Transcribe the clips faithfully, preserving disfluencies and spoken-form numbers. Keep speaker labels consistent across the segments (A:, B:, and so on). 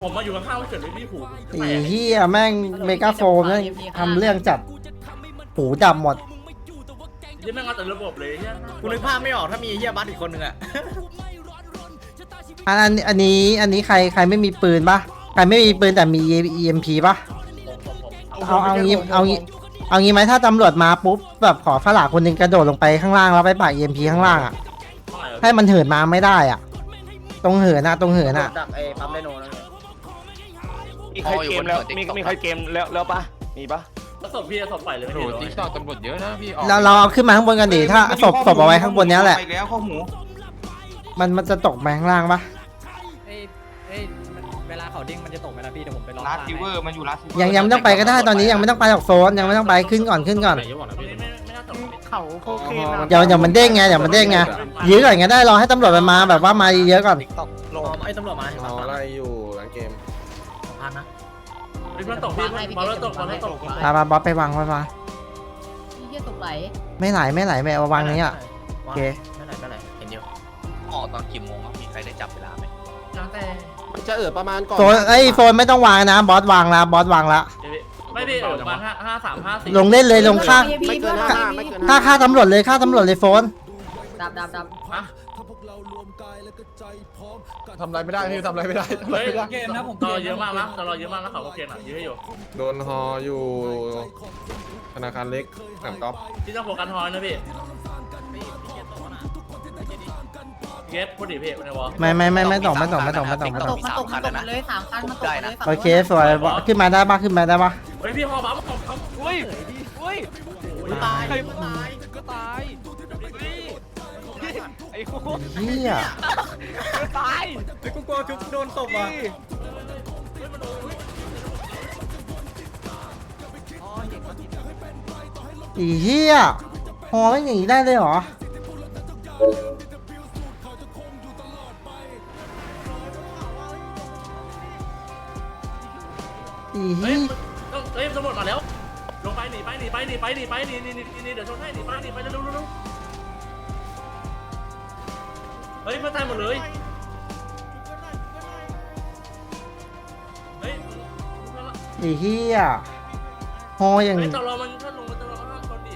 A: ผมมาอยู่ข้างๆเฉยเลยพี่หู
B: ไอ้เหี้ยแม่งเมกาโฟมแม่งทำเรื่องจัดหูดำหมด
A: ยังไม่งเอาแต่ระบบเลยเนี่ย
C: กูนึกภาพไม่ออกถ้ามีเฮียบัสอีกคนนึงอะ
B: อันอันอันนี้อันนี้ใครใครไม่มีปืนปะใครไม่มีปืนแต่มี อี เอ็ม พี ปะเอาเอางี้เอางี้เอางี้ไหมถ้าตำรวจมาปุ๊บแบบขอฝรั่งคนหนึงกระโดดลงไปข้างล่างแล้วไปปา อี เอ็ม พี ข้างล่างอ่ะให้มันเหินมาไม่ได้อ่ะตรงเหินอะตรงเหินอะ
C: ดักไอ้ปั๊มไดโนนั่นเลย
D: มีใครเกมแล้วมีมีใครเกมแล้วแล้วปะมีปะ
A: แล้วศพพี่ศพไปเลยไม่
E: โอ้
A: เห็น
E: โห
A: เล
E: ติ๊
A: ย
E: กตอกตำรวจเยอะนะพี่ออก
B: เราเราเอาขึ้นมาข้างบนกันดิถ้าศพศพเอาไว้ข้างบนเนี้ยแหละ
D: ไปแล้วข้อหมู
B: มันมันจะตกมาข้างล่างปะ
F: เอ้ยเอ้ยมันเวลาเขาดิ้งมันจะตกไหมล่ะพี่เดี๋ยวผมไปลอง
D: ลาส
F: ตาม
D: ซิเวอ
F: ให้
D: ร์มันอยู่ลาสซิเวอร์
B: ยังยังไม่ต้องไปก็ได้ตอนนี้ยังไม่ต้องไปหรอกโซนยังไม่ต้องไปขึ้นก่อนขึ้นก่อน
A: ไม่ไม่ไม่น่าตก
D: เขาโคเคน
B: เดี๋ยวเดี๋ยวมันเด้งไงเดี๋ยวมันเด้งไงยื้อก่อนก็ได้รอให้ตำรวจมันมาแบบว่ามาเยอะก่อน
C: ตกลงไอ้ตำรวจมา
G: อ๋ออะไรอยู่หลังเกม
C: สองพันนะ
A: พี่มันตกพี่บอลแล้วตกบอลแล้วตก
B: มามาบอสไปวางไว้มา
H: พี่เหี้ยตกไหล
B: ไม่ไหลไม่ไหลไม่เอาวางนี้อ่ะโอเค
C: ไม่ไหนไม่ไหนเห็นอยู่
E: ออกตอนกี่โมงครับมีใครได้จับเวลาไหม
A: แล้วแต่
G: จะเอิดประมาณก่อน
B: โฟนเอ้ยโฟนไม่ต้องวางนะบอสวางละบอสวางละ
A: ไม่พี่ประมาณห้าห้าสามห้าสี่
B: ลงเล่นเลยลงค่า
G: ไม่เกินห้าไม่เกิน
B: ค่าค่าตำรวจเลยค่าตำรวจเลยโฟน
H: ดับดับดับ
G: ทำอะไรไม่ได้พี่ทำอะไรไม่ได้ทำอะไร
A: เฮ้ย
G: ไม่ได้
F: เกมนะผม
A: รอเยอะมากนะรอเยอะมากแล้วเขาโอเคหน่อยยื้อให้อยู่
G: โดนฮออยู่ธนาคารเล็กหนังก๊อฟ
A: พี่ต้องโฟกัสทอยนะพี่เก็ตพูดดิพี่ในวอล
B: ไม่ไม่ไม่ไม่ต้องไม่ต้องไม่ต้องไม่ต้องไม่
H: ต
B: ต้อง
H: กมันตกมันตกมันเลยสามคันมันตกมันเลยฝั่ง
B: โอเคสวยบอสขึ้นมาได้ปะขึ้นมาได้ปะ
A: เฮ้ยพี่ฮอบัฟของเขา
E: อุ้ยอุ้ย
C: ตาย
E: ใครตายก็ตายไอ้โคตร
B: เฮีย
E: ตาย
C: ไอ้กูกลัวชุบโดนตบว่ะ
B: อีเฮียฮอไม่อย่างนี้ได้เลยเหรออีเฮี
A: เฮ้ย
B: ย
A: ต้องเฮ้ยตำรวจมาแล้วลงไปหนีไปหนีไปหนีไปหนีไปหนีหนีหนีหนีเดี๋ยวชนให้หนีไปหนีไปเร็วเร็วเร็วเฮ้ยเพื่อนตายหมดเลยเฮ้ย
B: อีเฮียฮออย่าง
A: เฮ้ย
B: นี้
A: ตลอมันถ้าลงมันตลอมันห้ามชนดิ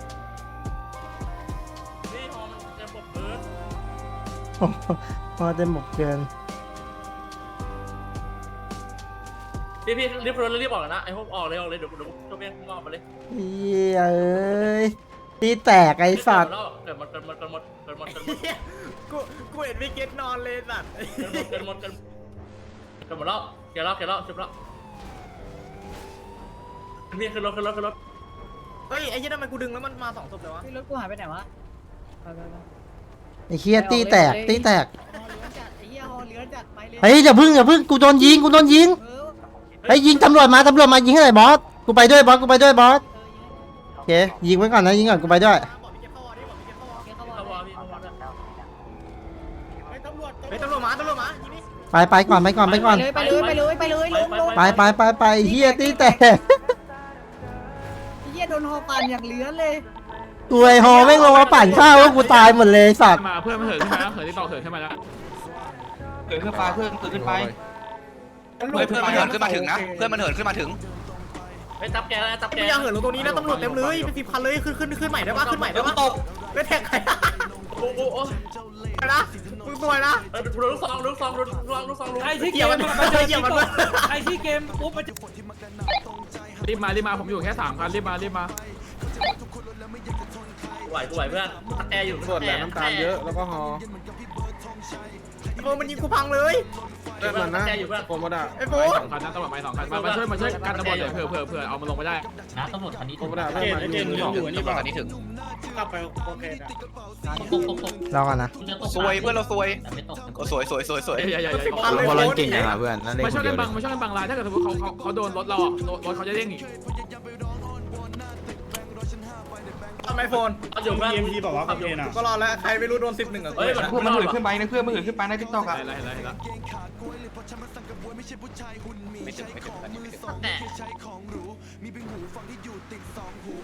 A: นี่ฮอมันจะปบเบิร์ด
B: ฮอเต็มหมดเกิน
A: พี่พี่รีบรถรีบออกนะไอ้พวกออกเลยออกเลยเดี๋ยวเดี๋ยวตัวเบี้ยงอกมาเลย
B: เฮียเอ้ยตีแตกไอ้สัตว์
A: เดี๋ยวมันเกินมันเกินหมดเกินหมดเกินหมด
C: กูกูเห็นวิกเก็ตนอนเลยสัตว์
A: เกินหมดเกินเกินหมดแล้วเกินแล้วเกินแล้วจบแล้วพี่ขึ้นรถขึ้นรถขึ้นรถ
C: เฮ้ยไอ้ยี่นั่นมันกูดึงแล้วมันมาสองศพเลยวะ
H: พี่รถกูหายไปไหนวะไปไปไป
B: ไอ้เฮียตีแตกตีแตก
H: ฮอเลื้อนจัดไอ้เหี้ยฮอเลื้อนจัดไปเลย
B: เฮ้ยอย่าพึ่งอย่าพึ่งกูโดนยิงกูโดนยิง
H: เออ
B: เฮ้ยยิงตำรวจมาตำรวจมายิงให้หน่อยบอสกูไปด้วยบอสกูไปด้วยบอสโอเคยิงไว้ก่อนนะยิงก่อนกูไปด้วย
C: บอกวิกเก็ตเข้าวอร์ดิบอกวิกเก็ตเข้าวอร์
H: เดี๋ยวเขาบ
A: เข้าว
H: อ
A: อก พี่เข้าวอ
C: เฮ้ยตำรวจเฮ้ยตำรวจมาตำรวจมายิงนี่
B: ไปไปก่อนไปก่อนไปก่อน
H: ไปเลยไปเลยไปเลยลงลง
B: ไปไปไปไปเฮียตีแตก
H: ไอ้เหี้ยโดนฮอปั่นอย่างเลื้อนเลย
B: กูไอฮอแม่งลงมาปั่นข้าวแล้วกูตายหมดเลยสัตว์
E: มาเพื่อนมันเหินขึ้นมาแล้วเหินที่ต่อเหินขึ้นมาแล้ว
D: เกิดขึ้นไปเพื่อนเกิดขึ้นไป
E: เพื่อนมันเหินขึ้นมาถึงนะเพื่อนมันเหินขึ้นมาถึง
A: ไปจับแกแล้วจับแก
C: ไม่อยากเหินลงตรงนี้นะตำรวจเต็มเลยเป็นสิบคันเลยขึ้นขึ้นขึ้นใหม่ได้ปะขึ้นใหม่ได้ปะตกไม่แท็กใคร
A: โอ้โหโอ้
C: นะมึงสวยนะ
A: เออดูลูกซองลูกซองลูกซองลูกซองลูก
F: ไอ้ที่เก
C: เกี่ยว
F: ม
C: มันมันเจอเกี่ยวมันด้วย
F: ไอ้ที่เกมปุ๊บมันจะ
E: รีบมารีบมาผมอยู่แค่สามคันรีบมารีบมา
A: ไหวกูไหวเพื่อนจับแกอยู่
G: ส่วนแหลมน้ำตาลเยอะแล้วก็ฮอ
C: โอ้มันยิงกูพังเลย
G: เลือดมันนะโคโมดะ
C: ไอ้โฟ
E: สองคันนะตำรวจมาสองคันมามาช่วยมาช่วยกันตำรวจเลยเผื่อเผื่อเผื่อเอามันลงไปได้
H: นะตำรวจคันนี้
G: โคโมดะเลือดมันอยู่
E: นี่ป่ะนี่ถึง
C: กลับไปโอเคนะ
H: ตกตกตก
B: รอก่อนนะ
E: ซวยเพื่อนเราซวย
H: แต่ไม่ตก
E: โอ้สวยสวยสวยสวย
C: สิบ
E: อย่า
C: พันเลย
E: มา
C: โคตรเก่งนะ
E: มาช่วยกันบังมาช่วยกันบังลายถ้าเกิดสมมติเขาเขาเขาโดนรถเราอ่ะรถเขาจะเด้งอีก
C: ทำไมโฟน
A: เอาอยู่เพื่อน
I: เอ็มพีบอกว่าโอเคนะ
C: ก็รอแล้วใครไม่รู้โดนสิบหนึ่งอ่ะ
A: เฮ้ย
D: เพื่อนมันเหินขึ้นไปนะเพื่อนมันเหินขึ้นไปในทิกตอกอะ
E: เห็นแล้วเห็นแล้วเห็นแล้วไม่ถึงไม่ถึงอันนี้ไม่ถึง
A: แต่